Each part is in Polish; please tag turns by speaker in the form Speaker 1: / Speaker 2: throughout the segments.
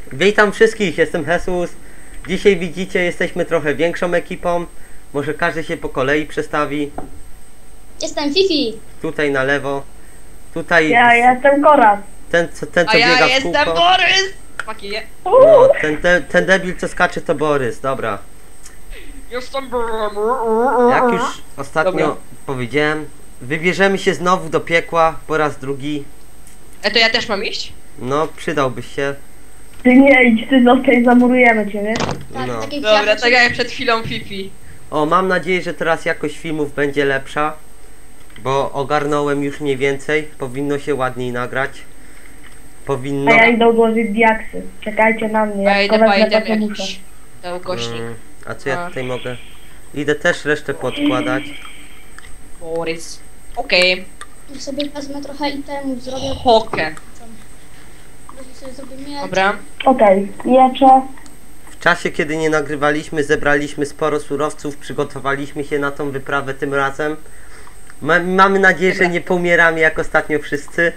Speaker 1: Witam wszystkich, jestem Jesus. Dzisiaj widzicie, jesteśmy trochę większą ekipą. Może każdy się po kolei przestawi.
Speaker 2: Jestem Fifi.
Speaker 1: Tutaj na lewo. Tutaj
Speaker 3: Ja jestem Koraz.
Speaker 1: ten co
Speaker 4: A ja
Speaker 1: biega w
Speaker 4: jestem
Speaker 1: kółko.
Speaker 4: Borys! Fucking
Speaker 1: No, ten debil co skacze to Borys, dobra.
Speaker 4: Jestem
Speaker 1: Jak już ostatnio
Speaker 4: Dobra.
Speaker 1: powiedziałem, wybierzemy się znowu do piekła po raz drugi.
Speaker 4: to ja też mam iść?
Speaker 1: No, przydałbyś się.
Speaker 3: Ty nie idź, ty zostań, zamurujemy cię, nie?
Speaker 2: Tak,
Speaker 1: No.
Speaker 2: tak jak
Speaker 4: Dobra,
Speaker 2: ja
Speaker 4: tak jak przed chwilą Fifi.
Speaker 1: O, mam nadzieję, że teraz jakość filmów będzie lepsza. Bo ogarnąłem już mniej więcej. Powinno się ładniej nagrać. Powinno.
Speaker 3: A ja idę odłożyć diaksy. Czekajcie na mnie,
Speaker 4: Ja
Speaker 3: jak
Speaker 4: idę
Speaker 3: Koraz
Speaker 4: pajdę
Speaker 3: to muszę.
Speaker 4: jakiś. Ten ukośnik.
Speaker 1: A co ja
Speaker 4: A.
Speaker 1: tutaj mogę? Idę też resztę podkładać.
Speaker 4: Borys. Okej.
Speaker 2: sobie wezmę trochę itemów, zrobię.
Speaker 4: Hokę.
Speaker 2: Może sobie zrobię miecz.
Speaker 4: Dobra.
Speaker 3: Okej, miecze.
Speaker 1: W czasie kiedy nie nagrywaliśmy, zebraliśmy sporo surowców, przygotowaliśmy się na tą wyprawę tym razem. Mamy nadzieję, że nie pomieramy jak ostatnio wszyscy.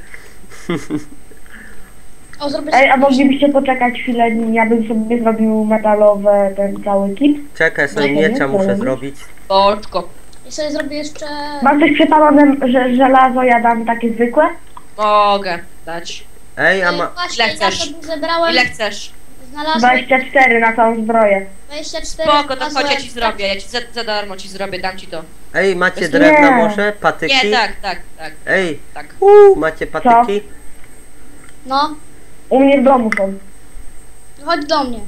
Speaker 2: O, zrobię
Speaker 3: Ej, a
Speaker 2: sobie...
Speaker 3: moglibyście poczekać chwilę, ja bym sobie zrobił metalowe, ten cały kit.
Speaker 1: Czekaj, sobie
Speaker 3: No,
Speaker 1: miecza
Speaker 3: nie,
Speaker 1: muszę
Speaker 3: nie.
Speaker 1: zrobić.
Speaker 4: Boczko.
Speaker 2: Ja sobie zrobię jeszcze...
Speaker 3: Mam coś przepalone, że żelazo ja dam takie zwykłe?
Speaker 4: Mogę dać.
Speaker 1: Ej, a ma...
Speaker 2: Właśnie,
Speaker 4: Ile
Speaker 2: ja
Speaker 4: chcesz?
Speaker 2: sobie zebrałem...
Speaker 4: Ile chcesz?
Speaker 2: Znalazłem
Speaker 3: 24 na całą zbroję.
Speaker 2: 24...
Speaker 4: Spoko, to chodź, ja
Speaker 2: znalazłem-
Speaker 4: ci zrobię. Ja ci za darmo ci zrobię, dam ci to.
Speaker 1: Ej, macie
Speaker 4: Nie.
Speaker 1: drewna może? Patyki?
Speaker 4: Nie, tak.
Speaker 1: Ej,
Speaker 4: Tak.
Speaker 1: macie patyki?
Speaker 2: No,
Speaker 3: U mnie w domu są.
Speaker 2: chodź do mnie.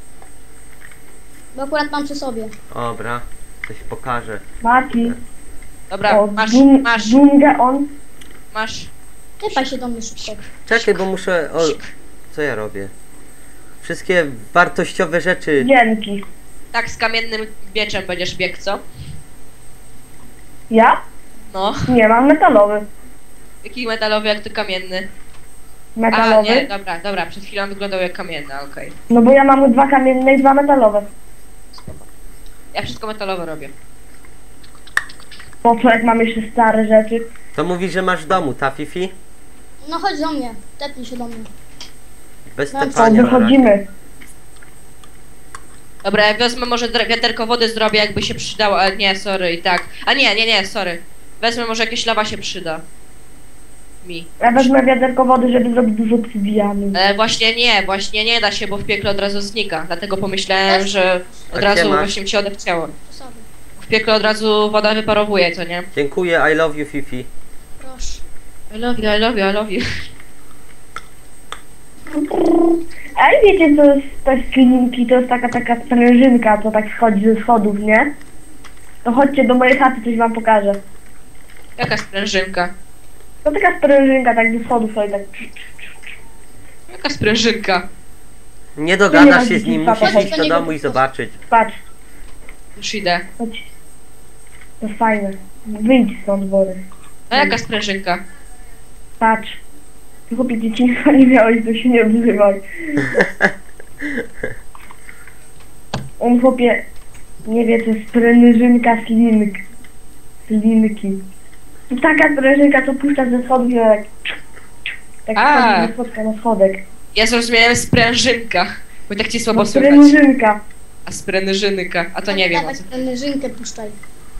Speaker 2: Bo akurat mam przy sobie.
Speaker 1: Dobra, coś pokażę.
Speaker 3: Mati.
Speaker 4: Dobra,
Speaker 3: O,
Speaker 4: masz.
Speaker 3: Dżungę on.
Speaker 4: Masz.
Speaker 2: Typaj się do mnie szybko.
Speaker 1: Czekaj, bo muszę... O, co ja robię? Wszystkie wartościowe rzeczy.
Speaker 3: Dzięki.
Speaker 4: Tak, z kamiennym mieczem będziesz biegł, co?
Speaker 3: Ja?
Speaker 4: No.
Speaker 3: Nie, mam metalowy.
Speaker 4: Jaki metalowy, jak to kamienny? A,
Speaker 3: Metalowy?
Speaker 4: nie, dobra, przed chwilą wyglądał jak kamienny, okej.
Speaker 3: No bo ja mam 2 kamienne i 2 metalowe.
Speaker 4: Spoko. Ja wszystko metalowe robię.
Speaker 3: Po co, jak mam jeszcze stare rzeczy?
Speaker 1: To mówi, że masz w domu, ta Fifi?
Speaker 2: No chodź do mnie. Tepnij się do mnie.
Speaker 1: Bez
Speaker 2: Mam
Speaker 3: To
Speaker 1: tepania na razie.
Speaker 3: wychodzimy.
Speaker 4: Dobra, ja wezmę może wiaderko wody zrobię, jakby się przydało, ale nie, sorry, i tak. A nie, sorry. Wezmę, może jakieś lawa się przyda. Mi.
Speaker 3: Ja wezmę wiaderko wody, żeby zrobić dużo obsydianu.
Speaker 4: Właśnie nie da się, bo w piekle od razu znika. Dlatego pomyślałem,
Speaker 2: Też?
Speaker 4: że
Speaker 1: A
Speaker 4: od
Speaker 1: gdzie
Speaker 4: razu
Speaker 1: masz?
Speaker 4: właśnie mi się odechciało.
Speaker 2: Przy sobie.
Speaker 4: W piekle od razu woda wyparowuje, co nie?
Speaker 1: Dziękuję, I love you Fifi.
Speaker 2: Proszę.
Speaker 4: I love you.
Speaker 3: Ej, wiecie co jest te skliniki? To jest taka sprężynka, co tak schodzi ze schodów, nie? To chodźcie do mojej chaty, coś wam pokażę.
Speaker 4: Jaka sprężynka?
Speaker 3: To taka sprężynka, tak ze schodów sobie tak...
Speaker 4: Jaka sprężynka?
Speaker 1: Nie dogadasz się z
Speaker 3: nie
Speaker 1: nim,
Speaker 3: ma
Speaker 1: musisz
Speaker 3: dzieci,
Speaker 1: iść do domu i zobaczyć.
Speaker 3: Patrz,
Speaker 4: Już idę.
Speaker 3: chodź. To jest fajne. Wyjdź stąd, Borys.
Speaker 4: A jaka sprężynka?
Speaker 3: Patrz. Ty chłopie, dzieciństwa nie miałeś, to się nie odzywaj. On chłopie nie wie, co jest sprężynka slinki. To taka sprężynka, co puszcza ze schodów i tak... Tak
Speaker 4: A.
Speaker 3: schodzi ze schodka na schodek.
Speaker 4: Ja zrozumiałem sprężynka. Bo tak ci słabo
Speaker 3: No,
Speaker 4: słychać.
Speaker 3: sprężynka.
Speaker 4: A sprężynka, a to nie wiem o
Speaker 2: Dawać
Speaker 4: co.
Speaker 2: sprężynkę puszczaj.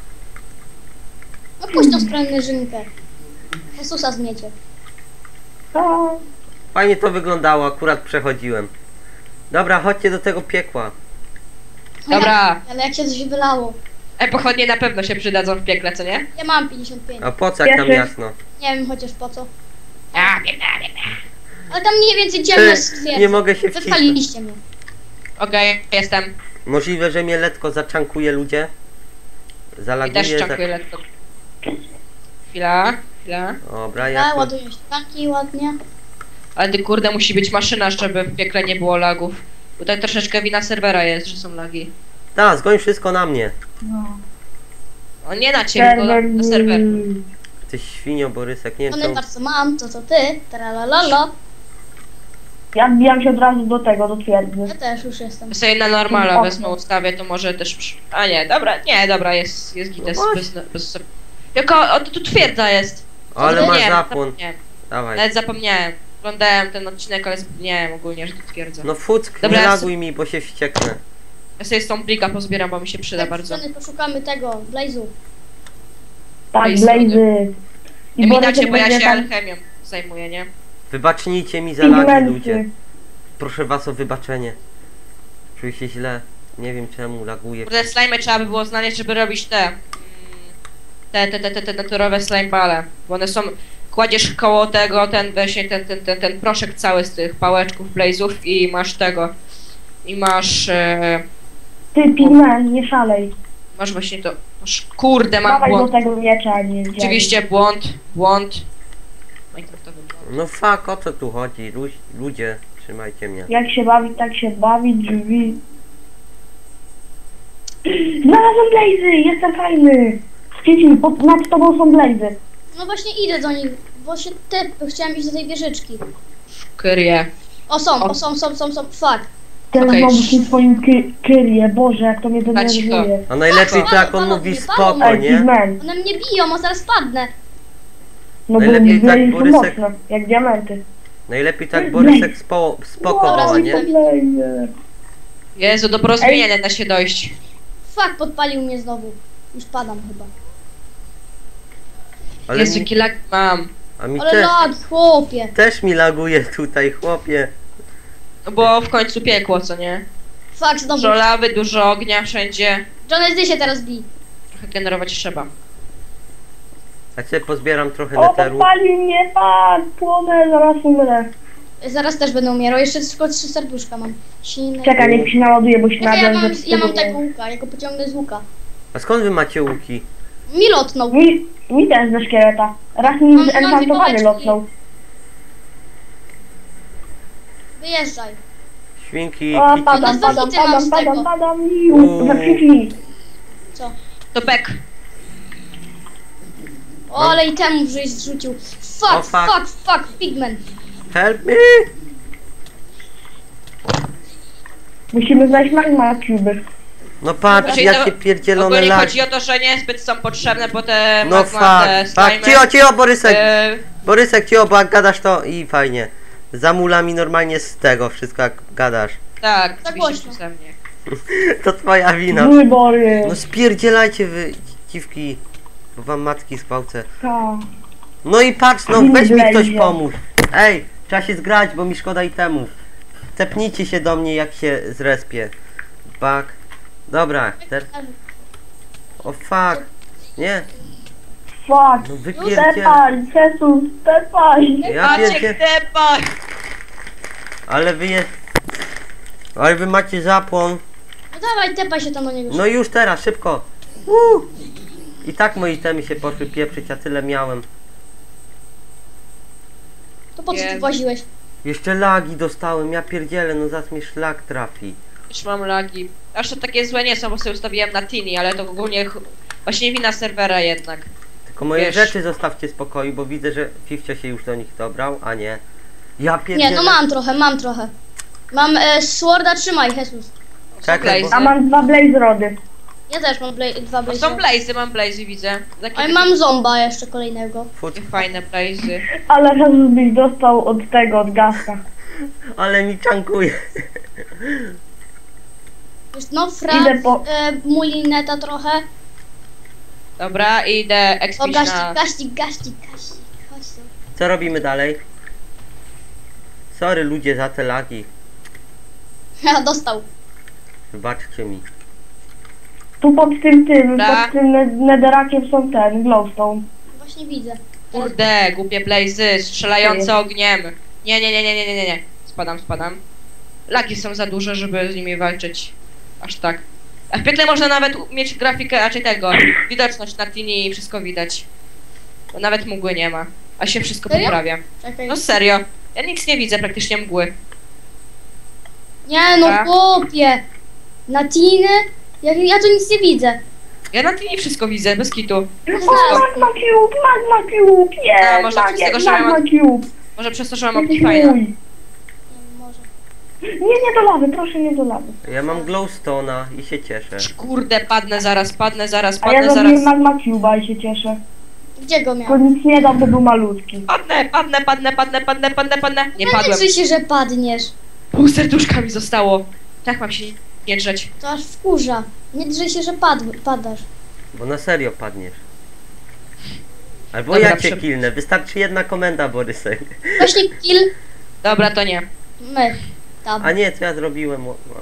Speaker 2: No puść tą sprężynkę. Jezusa zmiecie.
Speaker 3: A,
Speaker 1: Fajnie to wyglądało, akurat przechodziłem. Dobra, chodźcie do tego piekła.
Speaker 4: Dobra.
Speaker 2: Ale jak się coś wylało.
Speaker 4: Pochodnie na pewno się przydadzą w piekle, co nie?
Speaker 2: Ja mam 55.
Speaker 1: A po co, jak tam
Speaker 3: Pierwszy.
Speaker 1: jasno?
Speaker 2: Nie wiem chociaż po co.
Speaker 4: A, biegnę.
Speaker 2: Ale tam mniej więcej ciemno jest stwierdzę.
Speaker 1: Nie mogę się wcisnąć.
Speaker 2: Wypaliliście mnie.
Speaker 4: Okej, jestem.
Speaker 1: Możliwe, że mnie letko zaczankuje ludzie.
Speaker 4: I też
Speaker 1: Zalaguje.
Speaker 4: czankuję lekko. Chwila.
Speaker 1: Dobra,
Speaker 2: Ja
Speaker 1: jak...
Speaker 2: ładuję się taki ładnie.
Speaker 4: Ale ty kurde, musi być maszyna, żeby w piekle nie było lagów. Tutaj troszeczkę wina serwera jest, że są lagi.
Speaker 1: Ta, zgoń wszystko na mnie.
Speaker 3: no.
Speaker 4: O nie na ciebie, tylko na serwer.
Speaker 1: Ty świnio, Borysek, nie wiem
Speaker 2: One
Speaker 1: co...
Speaker 2: bardzo mam, to co ty. Tralalala.
Speaker 3: Ja wbijam się od razu do tego, do twierdzy.
Speaker 2: Ja też już jestem.
Speaker 4: Ja sobie na normala
Speaker 3: Okno.
Speaker 4: wezmę ustawię, to może też... A nie, dobra, jest git, jest Jaka, o, tu twierdza jest.
Speaker 1: Ale masz
Speaker 4: Zapomniałem,
Speaker 1: zapłon.
Speaker 4: zapomniałem.
Speaker 1: Dawaj.
Speaker 4: Nawet zapomniałem. Oglądałem ten odcinek, ale zapomniałem ogólnie, że to twierdzę.
Speaker 1: No fuck,
Speaker 4: Dobra,
Speaker 1: nie
Speaker 4: ja
Speaker 1: laguj mi, bo się wścieknę.
Speaker 4: Ja sobie z tą blika pozbieram, bo mi się przyda
Speaker 2: Tak,
Speaker 4: bardzo.
Speaker 2: sceny poszukamy tego, Blaze'u.
Speaker 3: Tak,
Speaker 4: Ej,
Speaker 3: Blazy.
Speaker 4: Nie
Speaker 3: Borysek
Speaker 4: widać, bo ja
Speaker 3: będzie
Speaker 4: się
Speaker 3: tam
Speaker 4: alchemią zajmuję, nie?
Speaker 1: Wybacznijcie mi za lagi,
Speaker 3: pigmenty.
Speaker 1: ludzie. Proszę was o wybaczenie. Czuję się źle. Nie wiem czemu laguję.
Speaker 4: Kurde, slime trzeba by było znaleźć, żeby robić te naturowe slime bale. Bo one są... Kładziesz koło tego ten właśnie ten proszek cały z tych pałeczków, blaze'ów i masz tego. I masz...
Speaker 3: Ty, pigment, nie szalej.
Speaker 4: masz właśnie to... Masz, kurde, mam
Speaker 3: Dawaj do
Speaker 4: błąd.
Speaker 3: tego miecza, nie działa.
Speaker 4: Oczywiście błąd. Minecraftowy błąd.
Speaker 1: No fuck, o co tu chodzi? Ludzie, trzymajcie mnie.
Speaker 3: Jak się bawić, tak się bawić, drzwi. Znalazłem Blazy, jestem fajny. Dzieci, nad tobą są Blazy.
Speaker 2: No właśnie idę do nich, bo się chciałem iść do tej wieżyczki.
Speaker 4: Kyrie.
Speaker 2: O są, fuck.
Speaker 3: Ten
Speaker 4: Okej.
Speaker 3: znowu w tym swoim kyrie, Boże, jak to mnie denerwuje.
Speaker 1: A najlepiej
Speaker 2: Patrz,
Speaker 1: to jak on
Speaker 2: palą
Speaker 1: mówi
Speaker 2: mnie,
Speaker 1: spoko,
Speaker 2: palą
Speaker 3: Ej,
Speaker 1: nie?
Speaker 3: pigment.
Speaker 2: One mnie biją, a zaraz padnę.
Speaker 3: No bo
Speaker 1: Najlepiej tak,
Speaker 3: Blazy są
Speaker 1: Borysek.
Speaker 3: mocne, jak diamenty.
Speaker 1: Najlepiej tak Borysek spoko
Speaker 2: Dobra,
Speaker 1: woła, nie?
Speaker 3: Blazy.
Speaker 4: Jezu, do porozumienia da się dojść.
Speaker 2: Fuck, podpalił mnie znowu. Już padam chyba.
Speaker 1: Ale
Speaker 4: Jezu,
Speaker 1: mi,
Speaker 4: jaki lag mam.
Speaker 1: a mi
Speaker 2: Ale
Speaker 1: też,
Speaker 2: lag, chłopie.
Speaker 1: też mi laguje tutaj, chłopie.
Speaker 4: No bo w końcu piekło, co nie?
Speaker 2: Fuck, znowu.
Speaker 4: Dużo lawy, dużo ognia wszędzie.
Speaker 2: Johnny, ty się teraz bij.
Speaker 4: Trochę generować trzeba.
Speaker 1: A cię pozbieram trochę
Speaker 3: O,
Speaker 1: neteru.
Speaker 3: podpalił mnie, tak, płonę, zaraz umrę.
Speaker 2: Zaraz też będę umierał, jeszcze tylko 3 serduszka mam. Silne.
Speaker 3: Czekaj, niech się naładuje, bo się
Speaker 2: Ja
Speaker 3: nadziałem,
Speaker 2: mam,
Speaker 3: że
Speaker 2: ja mam
Speaker 3: wstydu
Speaker 2: tego łuka, ja go pociągnę z łuka.
Speaker 1: A skąd wy macie łuki?
Speaker 2: Mi lotnął.
Speaker 3: mi też ze szkieleta. Raz mi
Speaker 2: Mam
Speaker 3: zenchantowany
Speaker 2: pałeczki.
Speaker 3: lotnął.
Speaker 2: Wyjeżdżaj.
Speaker 1: Świnki,
Speaker 3: O,
Speaker 1: kici.
Speaker 3: padam,
Speaker 2: Dwa
Speaker 3: padam,
Speaker 2: hity mam
Speaker 3: padam,
Speaker 2: z
Speaker 3: padam,
Speaker 2: tego.
Speaker 3: padam,
Speaker 1: Uuu.
Speaker 3: zakrzyknij.
Speaker 2: Co?
Speaker 4: To pek.
Speaker 2: O, ale i temu żeś zrzucił. Fuck,
Speaker 1: O, fuck.
Speaker 2: fuck, pigment.
Speaker 1: Help me!
Speaker 3: Musimy znaleźć magma cuby.
Speaker 1: No patrz,
Speaker 4: Znaczy,
Speaker 1: jakie
Speaker 4: to
Speaker 1: pierdzielone
Speaker 4: ogólnie
Speaker 1: lagi.
Speaker 4: chodzi o to, że niezbyt są potrzebne, bo te
Speaker 1: No
Speaker 4: magma, te
Speaker 1: fuck, fuck,
Speaker 4: slimy,
Speaker 1: cicho, Borysek!
Speaker 4: e,
Speaker 1: Borysek, cicho, bo jak gadasz to i fajnie. Zamula mi normalnie z tego wszystko jak gadasz.
Speaker 4: tak,
Speaker 2: Za
Speaker 4: oczywiście
Speaker 2: głośno.
Speaker 4: przeze mnie.
Speaker 1: To twoja wina.
Speaker 3: Wybory.
Speaker 1: No spierdzielajcie wy, dziwki, bo wam matki zgwałcę.
Speaker 3: Tak.
Speaker 1: No i patrz, no
Speaker 3: Winy
Speaker 1: weź mi ktoś
Speaker 3: wlezie.
Speaker 1: pomóż. Ej, trzeba się zgrać, bo mi szkoda itemów. Tepnijcie się do mnie jak się zrespię. Fuck. Dobra, o fuck. Nie,
Speaker 3: Fuck.
Speaker 1: no wypierdziel.
Speaker 3: Tepaj, Jesus, tepaj.
Speaker 1: Ja
Speaker 4: Maciek,
Speaker 1: pierdzie...
Speaker 4: depaj!
Speaker 1: Ale wy je... Ale wy macie zapłon.
Speaker 2: No dawaj, tepaj się tam do niego.
Speaker 1: No już teraz, szybko. I tak moje itemy się poszły pieprzyć, a tyle miałem.
Speaker 2: To po co
Speaker 4: Nie.
Speaker 2: ty właziłeś?
Speaker 1: Jeszcze lagi dostałem, ja pierdzielę, no zaraz mi szlak trafi.
Speaker 4: Już mam lagi. Aż to takie złe nie są, bo sobie ustawiłem na Tini, ale to ogólnie właśnie wina serwera jednak.
Speaker 1: Tylko moje
Speaker 4: Wiesz.
Speaker 1: rzeczy zostawcie w spokoju, bo widzę, że Fifcia się już do nich dobrał, a nie. Ja pierdzielę.
Speaker 2: Nie, no mam trochę. Mam sworda, trzymaj, Jesus.
Speaker 1: Czekaj, bo...
Speaker 3: A mam 2 blaze rody.
Speaker 2: Ja też mam 2
Speaker 4: No
Speaker 2: blazy.
Speaker 4: są blazy, mam blazy, widzę. Takie
Speaker 2: Ale mam zomba jeszcze kolejnego.
Speaker 1: Fut,
Speaker 4: fajne blazy.
Speaker 3: Ale Jesus byś dostał od tego, od gaska.
Speaker 1: ale mi czankuje.
Speaker 2: Wiesz, no,
Speaker 3: Idę po-
Speaker 2: mój neta trochę.
Speaker 4: Dobra, idę
Speaker 2: O,
Speaker 4: expić na...
Speaker 2: gaścik. Chodź tu.
Speaker 1: Co robimy dalej? Sorry ludzie za te lagi.
Speaker 2: Ja dostał.
Speaker 1: Wybaczcie mi.
Speaker 3: Tu pod tym,
Speaker 4: Da.
Speaker 3: pod tym netherackiem są ten, glowstone.
Speaker 2: Właśnie widzę.
Speaker 4: Kurde, głupie blazy, strzelające ogniem. Nie. Spadam. Lagi są za duże, żeby z nimi walczyć. Aż tak. A w piekle można nawet mieć grafikę, raczej tego, widoczność na Tini i wszystko widać. Bo nawet mgły nie ma. A się wszystko
Speaker 2: Serio?
Speaker 4: poprawia.
Speaker 2: Czekaj.
Speaker 4: No serio. Ja nic nie widzę, praktycznie mgły.
Speaker 2: Nie no,
Speaker 4: Tak.
Speaker 2: chłopie. Na tiny? Ja tu nic nie widzę.
Speaker 4: Ja na Tini wszystko widzę, bez kitu.
Speaker 3: O, magma cube,
Speaker 4: A,
Speaker 3: jest!
Speaker 4: może przez tego, że
Speaker 3: magma
Speaker 4: mam-
Speaker 3: cube.
Speaker 4: Może przez to, że mam
Speaker 3: Jesteś
Speaker 4: Optifine.
Speaker 3: mój.
Speaker 2: Nie, może.
Speaker 3: Nie do lawy, proszę nie do lawy.
Speaker 1: Ja mam glowstone'a i się cieszę.
Speaker 4: Kurde, padnę zaraz.
Speaker 3: A ja zrobiłem magma cube'a i się cieszę.
Speaker 2: Gdzie go
Speaker 3: To
Speaker 2: miał?
Speaker 3: nic nie dał, bo był malutki.
Speaker 4: Padnę. Nie
Speaker 2: Nie
Speaker 4: padłem.
Speaker 2: drzyj się, że padniesz.
Speaker 4: Pół serduszka mi zostało. Tak mam się nie drzeć.
Speaker 2: To aż wkurza. Nie drzyj się, że padasz.
Speaker 1: Bo na serio padniesz. Albo
Speaker 4: Dobra,
Speaker 1: ja cię killnę, wystarczy jedna komenda, Borysek.
Speaker 2: Właśnie kill
Speaker 4: Dobra, to nie.
Speaker 2: my. Tam.
Speaker 1: A nie, co ja zrobiłem?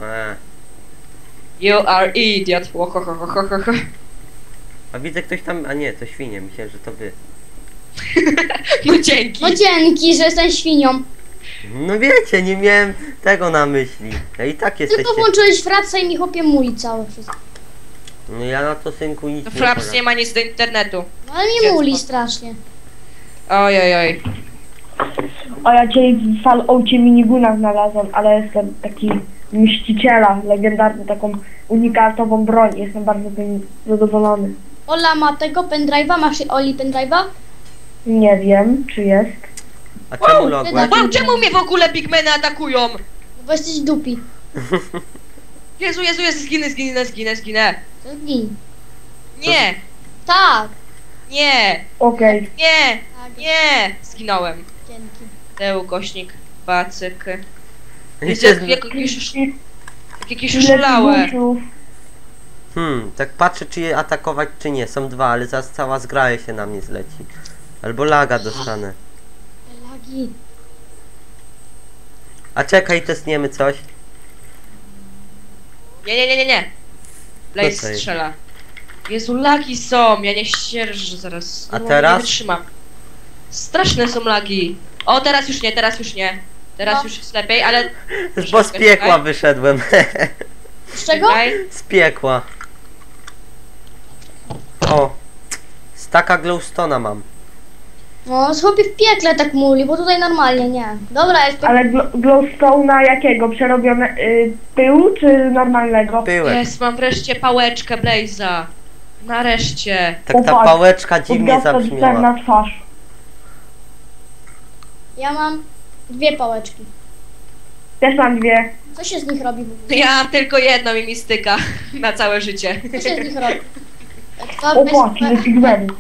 Speaker 4: You are idiot. Łohohohohoho.
Speaker 1: A widzę ktoś tam, a nie, to świnie, myślałem, że to wy.
Speaker 4: No dzięki.
Speaker 2: No dzięki, że jestem świnią.
Speaker 1: No wiecie, nie miałem tego na myśli. Ja i tak jesteście...
Speaker 2: Tylko włączyłeś frapsa i mi chłopie mój całe wszystko.
Speaker 1: No ja na to, synku, nic
Speaker 4: No
Speaker 1: nie
Speaker 4: Fraps
Speaker 1: poradzę.
Speaker 4: nie ma nic do internetu.
Speaker 2: No ale mi muli strasznie.
Speaker 4: Oj.
Speaker 3: A ja dzisiaj w Falloutie minigunach znalazłem, ale jestem taki mściciela, legendarny, taką unikatową broń. Jestem bardzo tym zadowolony.
Speaker 2: Ola ma tego pendrive'a, masz Oli pendrive'a?
Speaker 3: Nie wiem, czy jest.
Speaker 1: A czemu logłeś?
Speaker 4: Wow, czemu mnie w ogóle pigmeny atakują?
Speaker 2: No bo jesteś dupi.
Speaker 4: Jezu, zginę.
Speaker 2: To gin.
Speaker 4: Nie,
Speaker 2: Tak.
Speaker 3: Okej.
Speaker 2: Tak.
Speaker 4: nie. Zginąłem.
Speaker 2: Dzięki.
Speaker 4: Teu, kośnik, bacyk.
Speaker 1: I
Speaker 4: Jezu,
Speaker 1: się
Speaker 4: jakieś szalałe.
Speaker 1: tak patrzę, czy je atakować, czy nie. Są dwa, ale zaraz cała zgraja się na mnie zleci. Albo laga dostanę.
Speaker 2: Lagi.
Speaker 1: A czekaj, testniemy coś.
Speaker 4: Nie. Blaze
Speaker 1: Co to jest?
Speaker 4: strzela. Jezu, lagi są, ja nie ścierżę zaraz.
Speaker 1: A
Speaker 4: No,
Speaker 1: teraz?
Speaker 4: Nie wytrzymam. Straszne są lagi. O, teraz już nie. Teraz
Speaker 2: No.
Speaker 4: już jest lepiej, ale...
Speaker 1: Bo z piekła wyszedłem.
Speaker 2: Z czego?
Speaker 1: Z piekła. O. Staka glowstona mam.
Speaker 2: No, chłopie w piekle tak muli, bo tutaj normalnie nie. Dobra, jest
Speaker 3: Ale glowstone'a jakiego? Przerobione pyłu czy normalnego?
Speaker 1: Pyłek.
Speaker 4: Jest, mam wreszcie pałeczkę Blaze'a. Nareszcie.
Speaker 1: Tak ta
Speaker 3: Popatrz,
Speaker 1: pałeczka dziwnie
Speaker 3: Odgasta
Speaker 1: zabrzmiała.
Speaker 3: na twarz.
Speaker 2: Ja mam 2 pałeczki.
Speaker 3: Też mam 2.
Speaker 2: Co się z nich robi w ogóle?
Speaker 4: Ja mam tylko jedną i mi styka na całe życie.
Speaker 2: Co się z nich robi? To
Speaker 3: O fuck, ile pigmentów.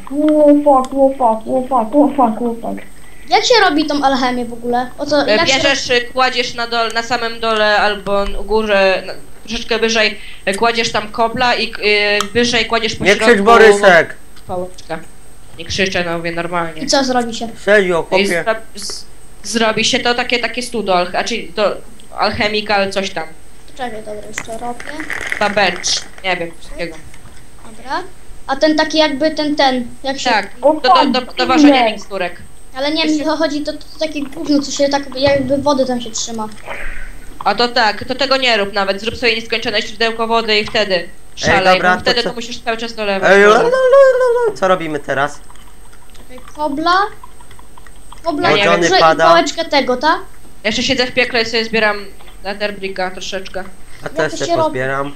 Speaker 3: O fuck.
Speaker 2: Jak się robi tą alchemię w ogóle? O co? Jak się
Speaker 4: Bierzesz, kładziesz na samym dole albo u górze, troszeczkę wyżej, kładziesz tam kobla i wyżej kładziesz po
Speaker 1: Nie
Speaker 4: środku
Speaker 1: krzycz, Borysek!
Speaker 4: pałeczkę. Nie krzyczę, no mówię normalnie.
Speaker 2: I co zrobi się?
Speaker 1: Serio,
Speaker 4: I
Speaker 1: chłopie.
Speaker 4: zrobi się to takie studo, czyli to alchemical coś tam.
Speaker 2: Czekaj, dobra, jeszcze robię.
Speaker 4: Ta bench, nie wiem, coś takiego.
Speaker 2: Dobra. A ten taki jakby ten, jak się...
Speaker 4: Tak,
Speaker 3: O,
Speaker 4: do ważenia
Speaker 3: nie.
Speaker 4: miksturek.
Speaker 2: Ale nie, mi chodzi, to takie gówno, co się tak jakby wody tam się trzyma.
Speaker 4: A to tak, to tego nie rób nawet, zrób sobie nieskończone źródełko wody i wtedy szalej,
Speaker 1: dobra,
Speaker 4: bo
Speaker 1: to
Speaker 4: wtedy
Speaker 1: co?
Speaker 4: to musisz cały czas dolewać.
Speaker 1: Ej,
Speaker 4: wodę.
Speaker 1: co robimy teraz?
Speaker 2: Czekaj, kobla. Kobla,
Speaker 4: Ja nie wiem.
Speaker 2: i
Speaker 1: pada.
Speaker 2: pałeczkę tego, tak?
Speaker 4: Jeszcze siedzę w piekle i sobie zbieram Netherbricka troszeczkę.
Speaker 1: A
Speaker 2: to
Speaker 1: też
Speaker 2: się
Speaker 1: się
Speaker 2: robi?
Speaker 1: pozbieram.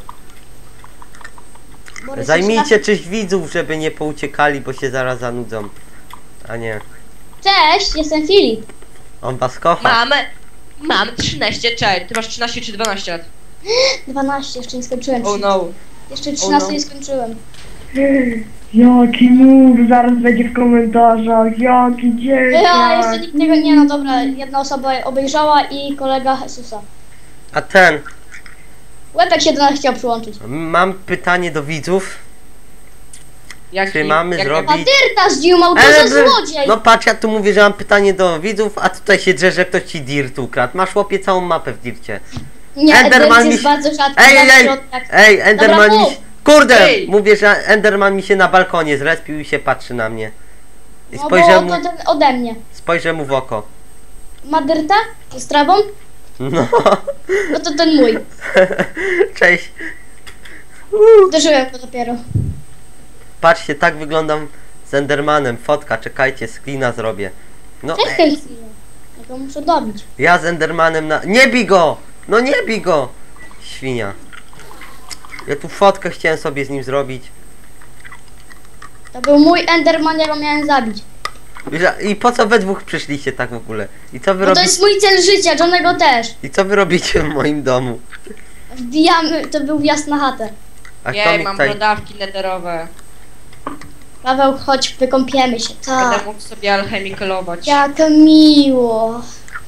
Speaker 2: Borys
Speaker 1: Zajmijcie czyś widzów, żeby nie pouciekali, bo się zaraz zanudzą. A nie.
Speaker 2: Cześć, jestem Filip.
Speaker 1: On was kocha.
Speaker 4: Mam 13, czekaj, ty masz 13 czy 12 lat?
Speaker 2: 12, jeszcze nie skończyłem.
Speaker 4: Oh no.
Speaker 2: Jeszcze 13
Speaker 4: no.
Speaker 2: nie skończyłem.
Speaker 3: Jaki mów, zaraz będzie w komentarzach. Jaki dzieciak.
Speaker 2: Ja jeszcze nikt tego nie, no dobra, jedna osoba obejrzała i kolega Jezusa.
Speaker 1: A ten,
Speaker 2: Łepek się do nas chciał przyłączyć.
Speaker 1: mam pytanie do widzów.
Speaker 4: Jaki,
Speaker 1: Czy mamy
Speaker 2: A
Speaker 1: zrobić...
Speaker 2: Dyrta zdziumał, to
Speaker 1: Ale
Speaker 2: za złodziej!
Speaker 1: No patrz, ja tu mówię, że mam pytanie do widzów, a tutaj się drze, że ktoś ci dirt ukradł. Masz, chłopie, całą mapę w dircie.
Speaker 2: Nie,
Speaker 1: Enderman
Speaker 2: Dirt
Speaker 1: mi
Speaker 2: jest
Speaker 1: się-
Speaker 2: bardzo rzadki.
Speaker 1: Ej,
Speaker 2: bardzo
Speaker 1: ej,
Speaker 2: rzadki.
Speaker 1: ej, Enderman
Speaker 2: Dobra,
Speaker 1: mi
Speaker 2: mów.
Speaker 1: się... Kurde!
Speaker 4: Ej.
Speaker 1: Mówię, że Enderman mi się na balkonie zrespił i się patrzy na mnie. I
Speaker 2: No bo
Speaker 1: spojrzę mu,
Speaker 2: to ten ode mnie.
Speaker 1: spojrzę mu w oko.
Speaker 2: Ma Dyrta? Z trawą?
Speaker 1: No,
Speaker 2: No to ten mój.
Speaker 1: cześć.
Speaker 2: Uderzyłem go dopiero.
Speaker 1: Patrzcie, tak wyglądam z Endermanem. Fotka, czekajcie, screena zrobię. No,
Speaker 2: Czekaj chwilę. Ja go muszę dobić.
Speaker 1: ja z Endermanem na... Nie bij go! No nie bij go! Świnia. Ja tu fotkę chciałem sobie z nim zrobić.
Speaker 2: To był mój Enderman, ja go miałem zabić.
Speaker 1: I po co we dwóch przyszliście tak w ogóle? I co wy
Speaker 2: No to
Speaker 1: robicie?
Speaker 2: jest mój cel życia, Johnego też.
Speaker 1: I co wy robicie w moim domu?
Speaker 2: Wbijamy, to był wjazd na chatę.
Speaker 1: A kto
Speaker 4: Jej,
Speaker 1: mi
Speaker 4: mam
Speaker 1: tutaj...
Speaker 4: brodawki netherowe.
Speaker 2: Paweł, chodź, wykąpiemy się. Tak.
Speaker 4: Będę mógł sobie alchemikolować.
Speaker 2: Jak miło.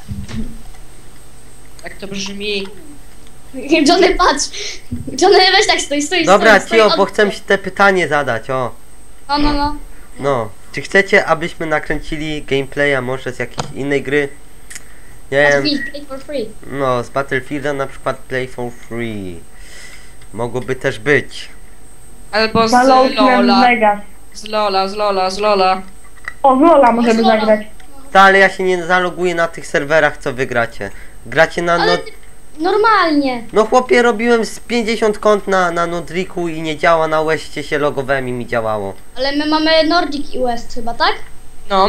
Speaker 4: Tak to brzmi.
Speaker 2: Johnny, patrz. Johnny, weź tak, stój.
Speaker 1: Dobra,
Speaker 2: stój,
Speaker 1: Cio,
Speaker 2: stój.
Speaker 1: bo chcę ci te pytanie zadać, o.
Speaker 2: No.
Speaker 1: No, czy chcecie, abyśmy nakręcili gameplaya może z jakiejś innej gry? Nie wiem,
Speaker 2: Battlefield, play for free.
Speaker 1: no z Battlefielda na przykład Play for Free. Mogłoby też być.
Speaker 4: Albo z
Speaker 3: Fallout
Speaker 4: Lola.
Speaker 3: Vegas.
Speaker 4: Z Lola.
Speaker 3: O, z Lola możemy
Speaker 2: Z Lola.
Speaker 3: zagrać.
Speaker 1: Ta, ale ja się nie zaloguję na tych serwerach, co wy gracie. Gracie na
Speaker 2: Ale normalnie.
Speaker 1: No chłopie, robiłem z 50 kont na Nodriku i nie działa, na Westie się logowałem i mi działało.
Speaker 2: Ale my mamy Nordic i West chyba, tak?
Speaker 4: No.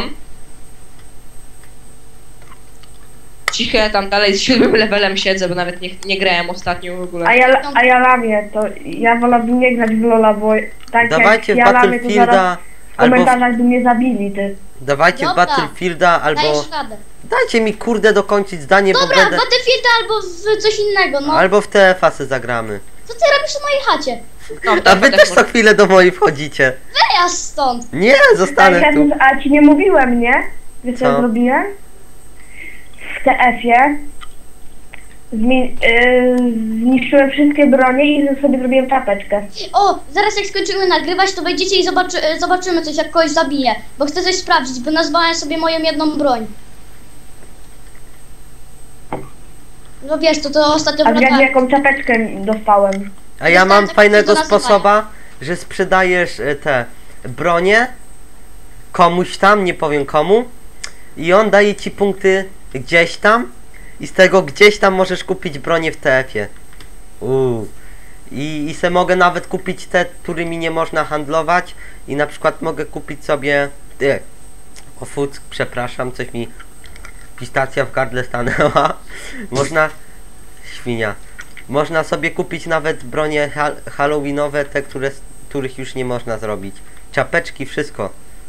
Speaker 4: Cicho, ja tam dalej z 7 levelem siedzę, bo nawet nie grałem ostatnio w ogóle.
Speaker 3: A ja lamię, to ja wolałbym nie grać w Lola, bo tak
Speaker 1: Dawajcie w
Speaker 3: jak ja lamię, to zaraz
Speaker 1: Battlefielda
Speaker 3: w
Speaker 1: albo
Speaker 3: komentarzach by mnie zabili, ty.
Speaker 1: dawajcie w
Speaker 2: Dobra.
Speaker 1: Battlefielda albo
Speaker 2: Dajesz radę.
Speaker 1: dajcie mi kurde dokończyć zdanie, bo
Speaker 2: Dobra,
Speaker 1: będę
Speaker 2: Battlefield albo w coś innego, no.
Speaker 1: albo w TF-a se zagramy.
Speaker 2: Co ty robisz w mojej chacie?
Speaker 4: No,
Speaker 1: A wy też co chwilę do mojej wchodzicie.
Speaker 2: Wyjazd stąd.
Speaker 1: Nie, zostanę tu.
Speaker 3: A ci nie mówiłem, nie? Wiesz co
Speaker 1: Co?
Speaker 3: ja zrobiłem? W TF-ie zniszczyłem wszystkie bronie i sobie zrobiłem czapeczkę.
Speaker 2: O, zaraz jak skończymy nagrywać, to wejdziecie i zobaczymy coś, jak kogoś zabiję. Bo chcę coś sprawdzić, bo nazwałem sobie moją jedną broń. No wiesz, to ostatnio
Speaker 3: A wiesz
Speaker 2: wracałem.
Speaker 3: jaką czapeczkę dostałem?
Speaker 1: A ja mam
Speaker 2: Dostałem takie
Speaker 1: fajnego
Speaker 2: do nazywania.
Speaker 1: sposoba, że sprzedajesz te bronie komuś tam, nie powiem komu, i on daje ci punkty gdzieś tam i z tego gdzieś tam możesz kupić bronię w TF-ie. I se mogę nawet kupić te, którymi nie można handlować i na przykład mogę kupić sobie o fuck, przepraszam, coś mi pistacja w gardle stanęła. Można świnia. Można sobie kupić nawet bronie halloweenowe, te, których już nie można zrobić. Czapeczki, wszystko.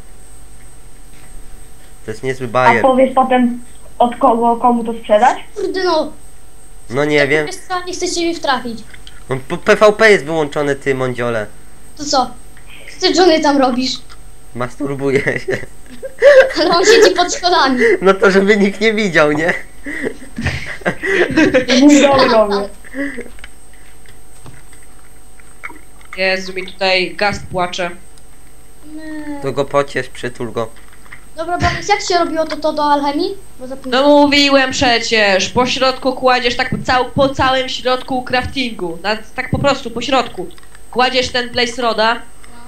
Speaker 1: To jest niezły
Speaker 3: A
Speaker 1: bajer.
Speaker 3: powiesz potem od kogo, komu to sprzedać?
Speaker 2: Kurde no,
Speaker 1: No nie wiem.
Speaker 2: wiesz co, nie chcę ciebie wtrafić.
Speaker 1: No, PvP jest wyłączony, ty mądziole.
Speaker 2: To co? Co ty, Johnny, tam robisz?
Speaker 1: Masturbuję się.
Speaker 2: Ale on siedzi pod schodami.
Speaker 1: No to żeby nikt nie widział, nie?
Speaker 3: Mój dom robię.
Speaker 4: Jezu, mi tutaj gaz płacze.
Speaker 2: Nie.
Speaker 1: To go pociesz, przytul go.
Speaker 2: Dobra, Borys, jak się robiło to do alchemii? Bo
Speaker 4: No
Speaker 2: zapomniałem.
Speaker 4: mówiłem przecież, po środku kładziesz tak po całym środku craftingu, tak po prostu po środku. Kładziesz ten place roda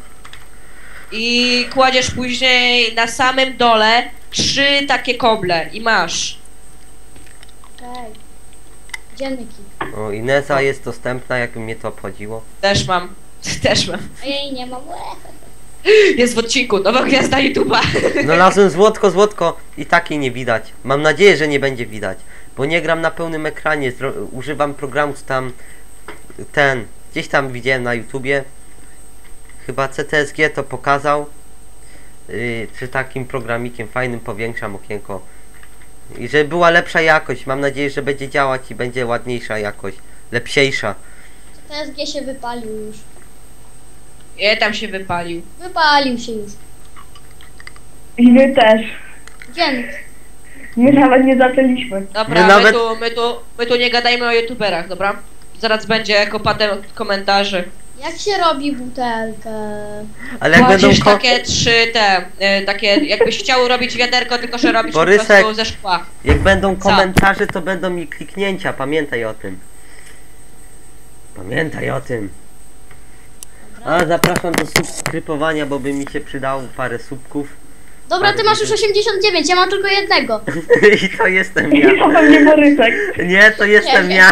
Speaker 4: i kładziesz później na samym dole 3 takie koble i masz.
Speaker 2: Okej. Dzienniki.
Speaker 1: O, Ineza jest dostępna, jakby mnie to obchodziło.
Speaker 4: Też mam, też mam.
Speaker 2: A ja jej nie mam.
Speaker 4: Jest w odcinku, nowa gwiazda YouTube'a.
Speaker 1: Znalazłem złotko i takiej nie widać. Mam nadzieję, że nie będzie widać. Bo nie gram na pełnym ekranie. Używam programu tam gdzieś tam widziałem na YouTubie. Chyba CTSG to pokazał. Czy takim programikiem fajnym powiększam okienko. I żeby była lepsza jakość. Mam nadzieję, że będzie działać i będzie ładniejsza jakość. Lepsiejsza.
Speaker 2: TSG się wypalił już.
Speaker 4: Je tam się wypalił.
Speaker 2: Wypalił się już.
Speaker 3: I wy też.
Speaker 2: Dziennik.
Speaker 3: My nawet nie zaczęliśmy.
Speaker 4: Dobra,
Speaker 1: My
Speaker 4: my tu nie gadajmy o YouTuberach, dobra? Zaraz będzie kopatem komentarzy.
Speaker 2: Jak się robi butelkę?
Speaker 1: Ale jak będą
Speaker 4: Kładziesz takie 3 takie jakbyś chciał robić wiaderko, tylko że robisz
Speaker 1: Borysek.
Speaker 4: po prostu ze szkła.
Speaker 1: Jak będą
Speaker 4: Co?
Speaker 1: komentarze, to będą mi kliknięcia. Pamiętaj o tym. Pamiętaj o tym. A zapraszam do subskrybowania, bo by mi się przydało parę subków.
Speaker 2: Dobra, ty masz już 89, ja mam tylko jednego.
Speaker 1: I to jestem
Speaker 3: I
Speaker 1: ja.
Speaker 3: to pewnie Borysek.
Speaker 1: Nie, to jestem
Speaker 2: Nie.
Speaker 1: ja.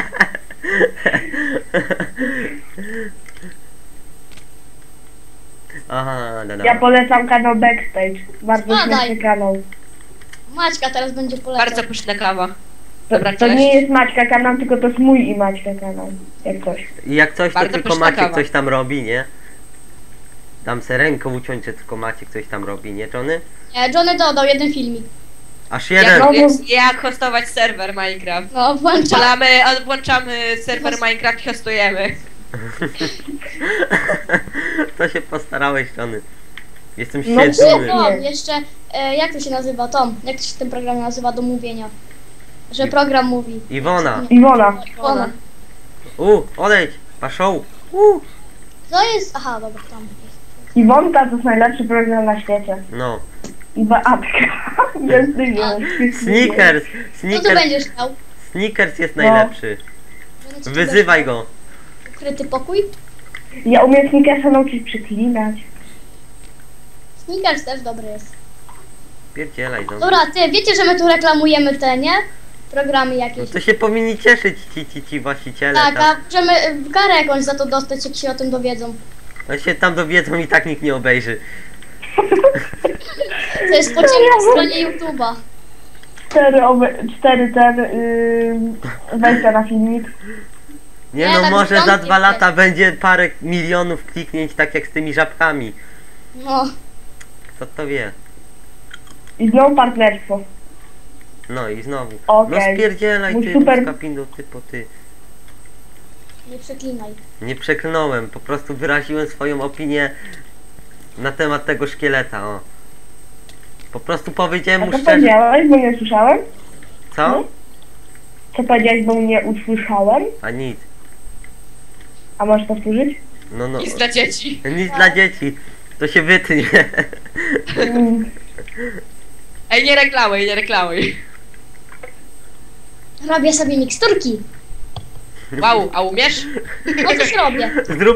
Speaker 1: Aha, no, no.
Speaker 3: Ja polecam kanał Backstage. Bardzo
Speaker 2: Spadaj.
Speaker 3: śmieszny kanał.
Speaker 2: Maćka teraz będzie polecał.
Speaker 4: Bardzo pyszna kawa.
Speaker 3: To,
Speaker 4: Dobra,
Speaker 3: to
Speaker 4: cześć.
Speaker 3: nie jest Maćka kanał, tylko to jest mój i Maćka kanał. Jak coś.
Speaker 1: I jak coś, to
Speaker 4: Bardzo
Speaker 1: tylko
Speaker 4: pyszna
Speaker 1: Maciek
Speaker 4: kawa.
Speaker 1: coś tam robi, nie? Dam se ręką uciąć, że tylko Maciek coś tam robi, nie, Johnny?
Speaker 2: Nie, Johnny dodał jeden filmik.
Speaker 1: Aż jeden.
Speaker 3: no-
Speaker 4: Jak hostować serwer Minecraft.
Speaker 2: No, włącza.
Speaker 4: Włączamy serwer Minecraft i hostujemy.
Speaker 1: To się postarałeś, Johnny. Jestem
Speaker 3: No
Speaker 1: świetny.
Speaker 3: nie.
Speaker 2: Jeszcze, jak to się nazywa, Tom? Jak to się ten program nazywa do mówienia? Że program mówi.
Speaker 1: Iwona.
Speaker 3: Iwona.
Speaker 2: Ona.
Speaker 1: Odejdź, paszą.
Speaker 2: To jest, aha, dobra, tam jest.
Speaker 3: Iwonka to jest najlepszy program na świecie.
Speaker 1: No.
Speaker 3: I Beatka. Jest
Speaker 1: Snickers.
Speaker 2: Co tu
Speaker 1: Snickers.
Speaker 2: będziesz chciał?
Speaker 1: Snickers jest
Speaker 3: No.
Speaker 1: najlepszy.
Speaker 2: Będę ci
Speaker 1: Wyzywaj
Speaker 2: czegoś-
Speaker 1: go.
Speaker 2: Ukryty pokój?
Speaker 3: Ja umiem Snickersa nauczyć przeklinać.
Speaker 2: Snickers też dobry jest.
Speaker 1: Pierdzielaj do mnie.
Speaker 2: Dobra, ty, wiecie, że my tu reklamujemy te, nie? Programy
Speaker 1: No
Speaker 2: jakieś.
Speaker 1: to się powinni cieszyć ci właściciele.
Speaker 2: Tak,
Speaker 1: tam.
Speaker 2: a możemy karę jakąś za to dostać, jak się o tym dowiedzą.
Speaker 1: No się tam dowiedzą i tak nikt nie obejrzy.
Speaker 2: To jest po ciemnej stronie YouTube'a.
Speaker 3: 4 wejścia na filmik.
Speaker 1: Nie
Speaker 2: Nie,
Speaker 1: no,
Speaker 2: tak
Speaker 1: może za
Speaker 2: stąd
Speaker 1: 2
Speaker 2: nie
Speaker 1: lata będzie parę milionów kliknięć, tak jak z tymi żabkami.
Speaker 2: No,
Speaker 1: Kto to wie?
Speaker 3: I znowu partnerstwo.
Speaker 1: No i znowu.
Speaker 3: Okej.
Speaker 1: No spierdzielaj
Speaker 3: Mój
Speaker 1: ty,
Speaker 3: super-
Speaker 1: Skapindo, ty po ty.
Speaker 2: nie przeklinaj.
Speaker 1: Nie przeklnąłem, po prostu wyraziłem swoją opinię na temat tego szkieleta, o. Po prostu powiedziałem
Speaker 3: A
Speaker 1: mu
Speaker 3: co
Speaker 1: szczerze.
Speaker 3: powiedziałeś, bo nie usłyszałem?
Speaker 1: Co?
Speaker 3: Co powiedziałeś, bo nie usłyszałem?
Speaker 1: A nic.
Speaker 3: A możesz powtórzyć?
Speaker 1: No no.
Speaker 4: Nic dla dzieci.
Speaker 1: Nic dla dzieci. To się wytnie.
Speaker 3: Mm,
Speaker 4: Ej, nie reklamuj, nie reklamuj.
Speaker 2: Robię sobie miksturki.
Speaker 4: Wow, a umiesz?
Speaker 2: No coś robię.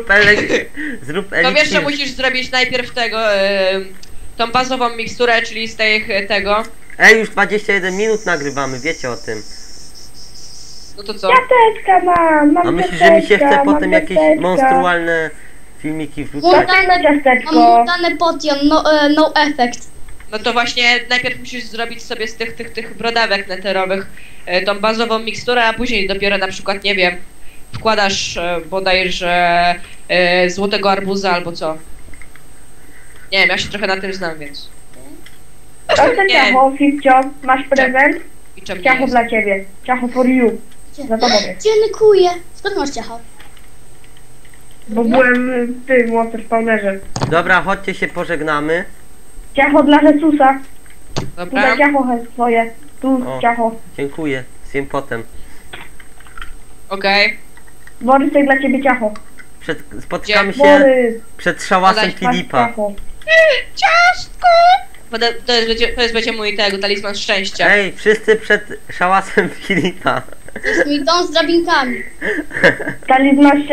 Speaker 1: Zrób
Speaker 4: To wiesz, że
Speaker 1: eliksir.
Speaker 4: musisz zrobić najpierw tego, tą bazową miksturę, czyli z tego.
Speaker 1: Ej, już 21 minut nagrywamy, wiecie o tym.
Speaker 4: No to co?
Speaker 3: Ciasteczka mam
Speaker 1: A myślisz, że mi się chce
Speaker 3: ciasteczka,
Speaker 1: potem
Speaker 3: mam
Speaker 1: jakieś
Speaker 3: ciasteczka.
Speaker 1: monstrualne filmiki wrzucać?
Speaker 3: Daj na
Speaker 2: Mam
Speaker 3: ciasteczko.
Speaker 2: mutane potion, no effect.
Speaker 4: No to właśnie najpierw musisz zrobić sobie z tych brodawek neterowych tą bazową miksturę, a później dopiero na przykład, nie wiem, wkładasz bodajże złotego arbuza albo co. Nie wiem, ja się trochę na tym znam, więc...
Speaker 3: Proszę
Speaker 4: Nie.
Speaker 3: ciacho, Fifcio, masz prezent?
Speaker 4: I czemu nie
Speaker 3: Ciacho
Speaker 4: jest?
Speaker 3: dla ciebie. Ciacho for you. Za tobą jest.
Speaker 2: Dziękuję. Skąd masz ciacho?
Speaker 3: Bo byłem w tym Water Spawnerze.
Speaker 1: Dobra, chodźcie się pożegnamy.
Speaker 3: Ciacho dla Jezusa.
Speaker 4: Dobra.
Speaker 3: Tutaj ciacho swoje. Tu
Speaker 1: O.
Speaker 3: ciacho.
Speaker 1: Dziękuję, zjem potem.
Speaker 4: Okej.
Speaker 3: Borysek dla ciebie ciacho.
Speaker 1: Spotkamy się
Speaker 3: Borys,
Speaker 1: przed szałasem
Speaker 4: Podaj,
Speaker 3: masz
Speaker 1: Filipa.
Speaker 3: ciacho.
Speaker 4: Ciastko! To jest będzie mój tego talizman szczęścia.
Speaker 1: Ej, wszyscy przed szałasem Filipa.
Speaker 2: To jest mój dom z drabinkami.
Speaker 3: Talizman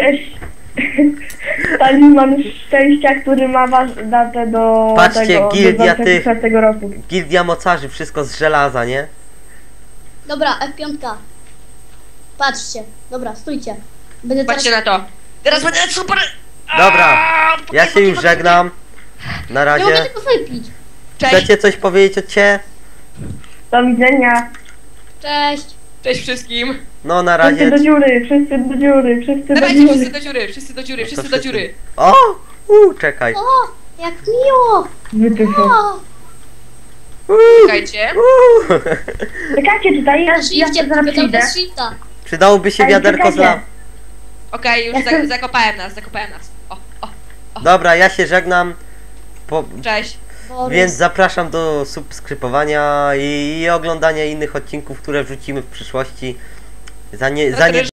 Speaker 3: Talizman szczęścia, który ma datę do
Speaker 1: Patrzcie,
Speaker 3: tego,
Speaker 1: gildia
Speaker 3: do
Speaker 1: tych-
Speaker 3: 2004 roku.
Speaker 1: Gildia mocarzy, wszystko z żelaza, nie?
Speaker 2: Dobra, F5. Patrzcie. Dobra, stójcie. Będę teraz...
Speaker 4: Patrzcie na to. Teraz będę super...
Speaker 1: Dobra, ja się już żegnam. Na
Speaker 2: Nie mogę
Speaker 1: razie.
Speaker 2: tego wypić.
Speaker 4: Cześć.
Speaker 1: Chcecie coś powiedzieć od ciebie?
Speaker 3: Do widzenia.
Speaker 2: Cześć.
Speaker 4: Cześć wszystkim.
Speaker 1: No na
Speaker 3: Wszyscy
Speaker 1: razie.
Speaker 3: do dziury, wszyscy do dziury, wszyscy do
Speaker 4: Dawajcie wszyscy
Speaker 3: dziury.
Speaker 4: do dziury, wszyscy do dziury,
Speaker 1: No to
Speaker 4: wszyscy do
Speaker 1: wszyscy.
Speaker 4: dziury.
Speaker 1: O! Czekaj.
Speaker 2: O, jak miło.
Speaker 3: Wytyfy.
Speaker 2: O,
Speaker 4: Czekajcie.
Speaker 3: Czekajcie tutaj, ja
Speaker 2: shifcie,
Speaker 3: zaraz
Speaker 2: tylko
Speaker 3: przyjdę.
Speaker 2: bez shifta.
Speaker 1: Przydałoby się
Speaker 3: Ej,
Speaker 1: wiaderko z
Speaker 3: czekajcie.
Speaker 1: law.
Speaker 4: Okej, już
Speaker 3: Ja chcę-
Speaker 4: zakopałem nas.
Speaker 1: Dobra, ja się żegnam.
Speaker 4: Cześć.
Speaker 2: Borys.
Speaker 1: Więc zapraszam do subskrybowania i oglądania innych odcinków, które wrzucimy w przyszłości. Za nie